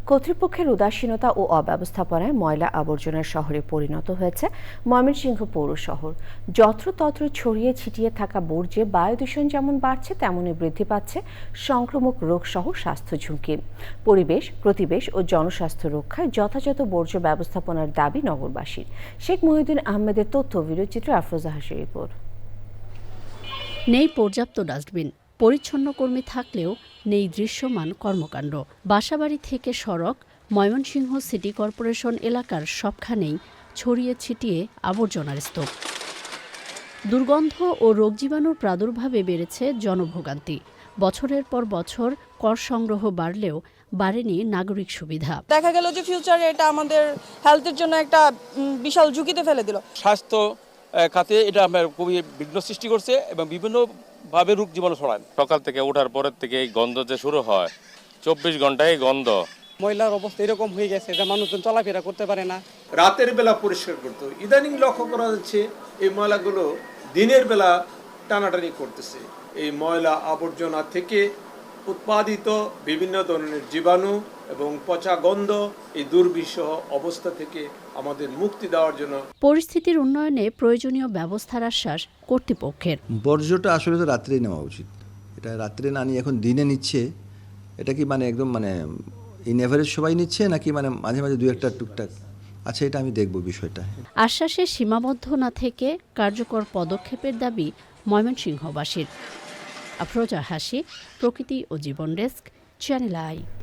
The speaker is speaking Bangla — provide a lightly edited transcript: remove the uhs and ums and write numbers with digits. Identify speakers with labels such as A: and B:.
A: কর্তৃপক্ষের উদাসীনতা ও অব্যবস্থাপনায় ময়লা আবর্জনার শহরে পরিণত হয়েছে ময়মনসিংহ পৌর শহর। যত্রতত্র ছড়িয়ে ছিটিয়ে থাকা বর্জ্যে বায়ু দূষণ যেমন বাড়ছে, তেমনি বৃদ্ধি পাচ্ছে সংক্রামক রোগসহ স্বাস্থ্য ঝুঁকি। পরিবেশ, প্রতিবেশ ও জনস্বাস্থ্য রক্ষায় যথাযথ বর্জ্য ব্যবস্থাপনার দাবি নগরবাসীর। শেখ মহিউদ্দিন আহমেদের তথ্য, ভিডিওচিত্রে আফরোজা হাসির রিপোর্ট।
B: নেই পর্যাপ্ত ডাস্টবিন, পরিচ্ছন্ন কর্মী থাকলেও নেই দৃশ্যমান কর্মকাণ্ড। বাসাবাড়ি থেকে সড়ক, ময়মনসিংহ সিটি কর্পোরেশন এলাকার সবখানেই ছড়িয়ে ছিটিয়ে আবর্জনার স্তূপ। দুর্গন্ধ ও রোগজীবাণুর প্রাদুর্ভাবে বেড়েছে জনভোগান্তি। বছরের পর বছর কর সংগ্রহ বাড়লেও বাড়েনি নাগরিক সুবিধা।
C: দেখা গেল যে ফিউচারে এটা আমাদের হেলথের জন্য একটা বিশাল ঝুঁকিতে ফেলে দিল।
D: স্বাস্থ্য খাতে এটা খুবই বিঘ্ন সৃষ্টি করছে এবং বিভিন্নভাবে রোগ জীবাণু ছড়ায়।
E: সকাল থেকে ওঠার পরের থেকে এই গন্ধ যে শুরু হয়, 24 ঘন্টায় গন্ধ।
F: ময়লার অবস্থা এরকম হয়ে গেছে যে মানুষজন চলাফেরা করতে পারে না।
G: রাতের বেলা পরিষ্কার করতে, ইদানিং লক্ষ্য করা যাচ্ছে এই ময়লাগুলো দিনের বেলা টানাটানি করতেছে। এই ময়লা আবর্জনা থেকে উৎপাদিত বিভিন্ন ধরনের জীবাণু এবং পচা গন্ধ, এই দুর্বিষহ অবস্থা থেকে আমাদের মুক্তি দেওয়ার জন্য
B: পরিস্থিতির উন্নয়নে প্রয়োজনীয় ব্যবস্থার আশ্বাস কর্তৃপক্ষের।
H: বর্জ্যটা আসলে তো রাত্রেই নেওয়া উচিত। এটা রাত্রে না নিয়ে এখন দিনে নিচ্ছে। এটা কি একদম ইন এভারেজ সবাই নিচ্ছে, নাকি মাঝে মাঝে 2-1টা টুকটাক? আচ্ছা, এটা আমি দেখব বিষয়টা।
B: আশ্বাসে সীমাবদ্ধ না থেকে কার্যকর পদক্ষেপের দাবি ময়মনসিংহবাসীর। আফরোজা হাসি, প্রকৃতি ও জীবন ডেস্ক, চ্যানেল আই।